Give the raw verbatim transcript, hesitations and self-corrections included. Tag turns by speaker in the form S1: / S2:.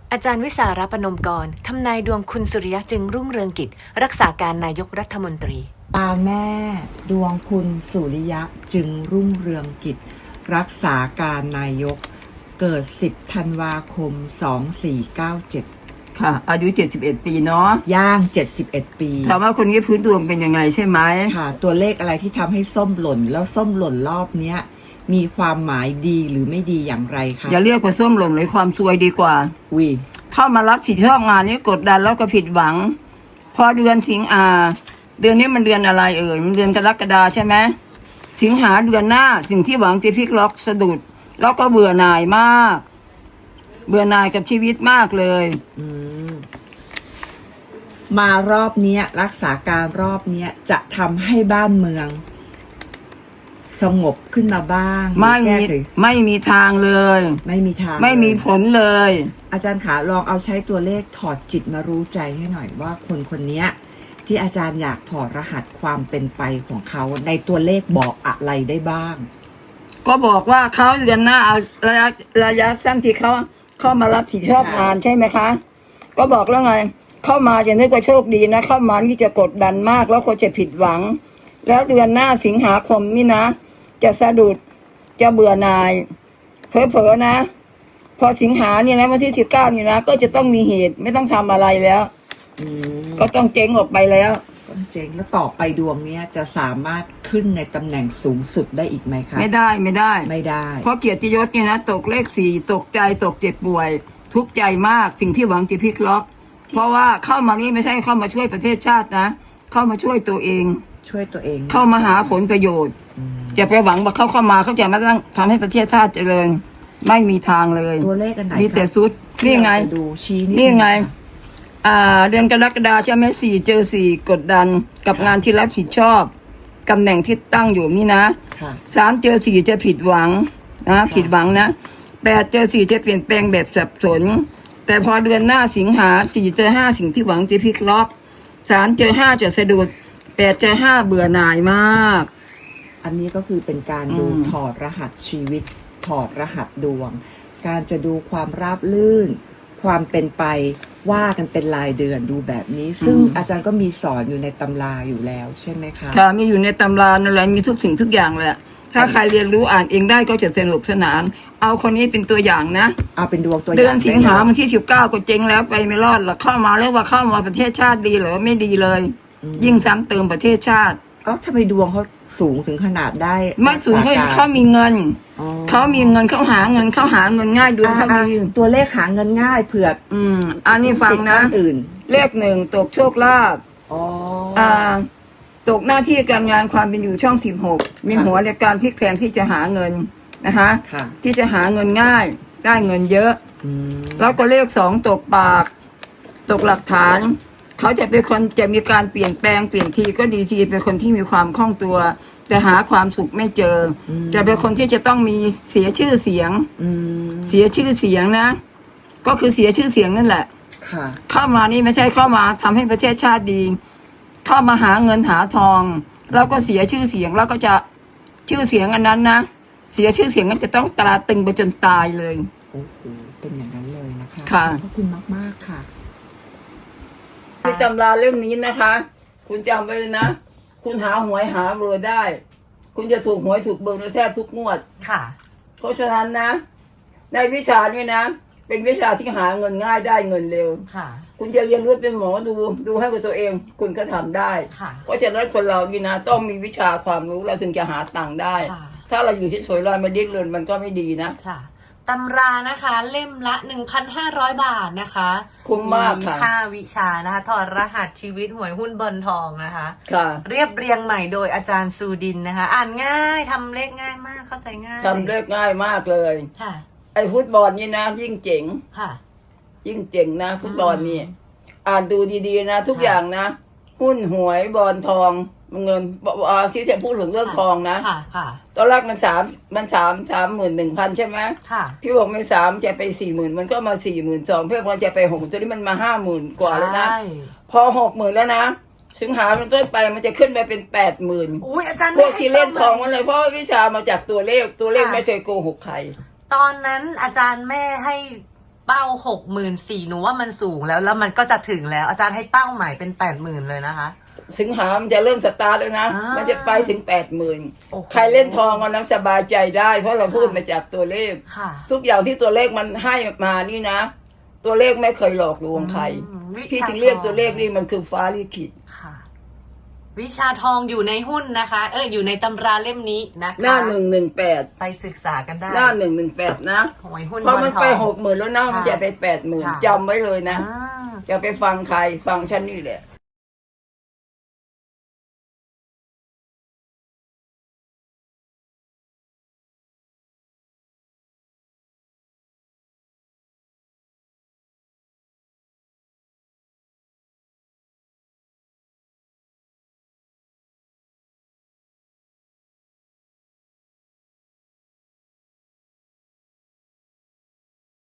S1: อาจารย์วิสารปนมกรทำนายดวงคุณสุริยะจึงรุ่งเรืองกิจรักษาการนายกรัฐมนตรี
S2: ตาแม่ดวงคุณสุริยะจึงรุ่งเรืองกิจรักษาการนายกเกิดสิบธันวาคมสองสี่เก้าเจ็ด
S3: ค่ะอายุเจ็ดสิบเอ็ดปีเนาะ
S2: ย่างเจ็ดสิบเอ็ดปี
S3: ถามว่าคนนี้พื้นดวงเป็นยังไงใช่ไหม
S2: ค่ะตัวเลขอะไรที่ทำให้ส้มหล่นแล้วส้มหล่นรอบเนี้ยมีความหมายดีหรือไม่ดีอย่างไรคะ
S3: อย่าเรียกว่าส้มหล่นเลยความซวยดีกว่า
S2: วิ
S3: เข้ามารับผิดชอบงานนี้กดดันแล้วก็ผิดหวังพอเดือนสิงหาเดือนนี้มันเดือนอะไรเอ่ยมันเดือนกรกฎาใช่ไหมสิงหาเดือนหน้าสิ่งที่หวังจะพลิกล็อกสะดุดแล้วก็เบื่อหน่ายมากเบื่อหน่ายกับชีวิตมากเลย
S2: อืมมารอบนี้รักษาการรอบนี้จะทำให้บ้านเมืองสงบขึ้นมาบ้าง
S3: ไม่มีไม่มีทางเลย
S2: ไม่มีทาง
S3: ไม่มีผลเลย
S2: อาจารย์ขาลองเอาใช้ตัวเลขถอดจิตมารู้ใจให้หน่อยว่าคนคนนี้ที่อาจารย์อยากถอดรหัสความเป็นไปของเขาในตัวเลขบอกอะไรได้บ้าง
S3: ก็บอกว่าเขาเดือนหน้าเอาระยะระยะสั้นที่เขาเข้ามารับผิดชอบงานใช่ไหมคะก็บอกแล้วไงเข้ามาจะนึกว่าโชคดีนะเข้ามานี่จะกดดันมากแล้วก็จะผิดหวังแล้วเดือนหน้าสิงหาคมนี่นะจะสะดุดจะเบื่อหน่ายเผลอๆนะพอสิงหาเนี่ยนะวันที่สิบเก้านี่นะก็จะต้องมีเหตุไม่ต้องทำอะไรแล้วก็ต้องเจ๊งออกไปแล้ว
S2: ต้องเจ๊งแล้วต่อไปดวงเนี้ยจะสามารถขึ้นในตำแหน่งสูงสุดได้อีกไหมคะ
S3: ไม่ได้ไม่ได้
S2: ไม่ได้
S3: เพราะเกียรติยศเนี่ยนะตกเลขสี่ตกใจตกเจ็บป่วยทุกข์ใจมากสิ่งที่หวังจะพลิกล็อกเพราะว่าเข้ามานี่ไม่ใช่เข้ามาช่วยประเทศชาตินะเข้ามาช่วยตัวเอง
S2: ช่วยตัวเอง
S3: เข้ามาหาผลประโยชน์จะไปหวังว่าเขาเข้ามาเขาจะมาตั้งทำให้ประเทศชาติเจริญไม่มีทางเลย
S2: ตัวเลขกันไหน
S3: มีแต่ซุดนี่ไง
S2: ดูชี้
S3: นี่ไงอ่าเดือนกรกฎาคมใช่ไหมสี่เจอสี่กดดันกับงานที่รับผิดชอบตำแหน่งที่ตั้งอยู่นี่นะสามเจอสี่จะผิดหวังนะผิดหวังนะแปดเจอสี่จะเปลี่ยนแปลงแบบสับสนแต่พอเดือนหน้าสิงหาสี่เจอห้าสิ่งที่หวังจะพลิกล็อกสามเจอห้าจะสะดุดแปดเจอห้าเบื่อหน่ายมาก
S2: อันนี้ก็คือเป็นการดูถอดรหัสชีวิตถอดรหัสดวงการจะดูความราบรื่นความเป็นไปว่ากันเป็นรายเดือนดูแบบนี้ซึ่งอาจารย์ก็มีสอนอยู่ในตำราอยู่แล้วใช่ไหมคะ
S3: ค่ะมีอยู่ในตำรานั่นแหละมีทุกสิ่งทุกอย่างแหละถ้าใครเรียนรู้อ่านเองได้ก็จะสนุกสนานเอาคนนี้เป็นตัวอย่างนะ
S2: เอาเป็นดวงตัวอย่าง
S3: เดือนสิงหาวันที่สิบเก้าก็เจ๊งแล้วไปไม่รอดหรอกเข้ามาแล้วว่าเข้ามาประเทศชาติดีหรือไม่ดีเลยยิ่งซ้ำเติมประเทศชาติ
S2: เอ้าทำไมดวงเขาสูงถึงขนาดได้
S3: ไม่สูงเขาเขามีเงินเขามีเงินเขาหาเงินเขาหาเงินง่ายดวงเขามี
S2: ตัวเลขหาเงินง่ายเผื่อ
S3: อืมอันนี้ฟังนะ
S2: อื่น
S3: เลขหนึ่งตกโชคลาภอ่าตกหน้าที่การงานความเป็นอยู่ช่องสิบหกมีหัวในการพลิกแพลงที่จะหาเงินนะคะที่จะหาเงินง่ายได้เงินเยอะแล้วก็เลขสองตกปากตกหลักฐานเขาจะเป็นคนจะมีการเปลี่ยนแปลงเปลี่ยนทีก็ดีทีเป็นคนที่มีความคล่องตัวแต่หาความสุขไม่เจอจะเป็นคนที่จะต้องมีเสียชื่อเสียงเสียชื่อเสียงนะก็คือเสียชื่อเสียงนั่นแหละเข้ามานี่ไม่ใช่เข้ามาทำให้ประเทศชาติดีเข้ามาหาเงินหาทองแล้วก็เสียชื่อเสียงแล้วก็จะชื่อเสียงอันนั้นนะเสียชื่อเสียงนั้นจะต้องตราตึงไปจนตายเลย
S2: โอ้โหเป็นอย่างนั้นเลยนะคะ
S3: ค่ะ
S2: ขอบคุณมากๆค่ะ
S3: ในตำราเล่มนี้นะคะ คุณจำไว้เลยนะคุณหาหวยหาเบอร์ได้ คุณจะถูกหวยถูกเบอร์แทบทุกงวด
S1: ค่ะ
S3: เพราะฉะนั้นนะในวิชานี้นะเป็นวิชาที่หาเงินง่ายได้เงินเร็ว
S1: ค่ะ
S3: คุณจะเรียนรู้เป็นหมอดูดูให้กับตัวเองคุณก็ทำได้
S1: ค่ะ
S3: เพราะฉะนั้นคนเรานี่นะต้องมีวิชาความรู้เราถึงจะหาตังค์ได้ถ้าเราอยู่เฉยๆลอยมาดิ้นรนมันก็ไม่ดีนะ
S1: ค่ะตำรานะคะเล่มละ หนึ่งพันห้าร้อย บาทนะคะ
S3: คุ้มมากค่ะ
S1: มีห้าวิชานะคะถอดรหัสชีวิตหวยหุ้นเบิร์นทองนะคะ
S3: ค่ะ
S1: เรียบเรียงใหม่โดยอาจารย์ซูดินนะคะอ่านง่ายทำเลขง่ายมากเข้าใจง่าย
S3: ทำเลขง่ายมากเลย
S1: ค่ะ
S3: ไอ้ฟุตบอลนี่นะยิ่งเจ๋ง
S1: ค่ะ
S3: ยิ่งเจ๋งนะฟุตบอลนี่อ่านดูดีๆนะทุกอย่างนะหุ้นหวยบอลทองเงินอ่าซีเซพูดถึงเรื่องทองนะ
S1: ค่ะค่ะ
S3: ตอนแรกมันสามมันสามสามหมื่นหนึ่งพันใช่ไหม
S1: ค่ะ
S3: พี่บอกไม่สามจะไปสี่หมื่นมันก็มาสี่หมื่นสองเพื่อนพอจะไปหกตัวนี้มันมาห้าหมื่นกว่าแล้วนะพอหกหมื่นแล้วนะสิงหาเป็นต้นไปมันจะขึ้นไปเป็นแปดหมื่น
S1: อุ้ยอาจารย์
S3: พวกที่เล่นทองมันเลยเพราะวิชามาจากตัวเลขตัวเลขไม่เคยโกหกใคร
S1: ตอนนั้นอาจารย์แม่ให้เป้าหกหมื่นสี่หนูว่ามันสูงแล้วแล้วมันก็จะถึงแล้วอาจารย์ให้เป้าใหม่เป็นแปดหมื่นเลยนะคะ
S3: สิงหามันจะเริ่มสตาร์ทแล้วนะ
S1: อ่ามั
S3: มันจะไปถึงแปดหมื่น
S1: โอ้โห
S3: ใครเล่นทองก็น้ำสบายใจได้ เพราะเราพูดมาจากตัวเลข
S1: ค่ะ
S3: ทุกอย่างที่ตัวเลขมันให้มานี่นะ ตัวเลขไม่เคยหลอกลวงใคร
S1: อืมวิชา
S3: ที่ถึงเรียก
S1: ทอง
S3: ตัวเลขนี่มันคือฟ้าลิขิต
S1: ค่ะ วิชาทองอยู่ในหุ้นนะคะ เอออยู่ในตำราเล่มนี้นะคะ
S3: หน้าหนึ่งหนึ่งแปด
S1: ไปศึกษากันได้
S3: หน้าหนึ่งหนึ่งแปดนะ
S1: หวยหุ้น
S3: เพราะมัน
S1: ทอง
S3: ไปหกหมื่นแล้วนะมันจะไปแปดหมื่น
S1: ค่ะ
S3: จำไว้เลยนะ
S1: อ่า
S3: อย่าไปฟังใครฟังฉันนี่แหละ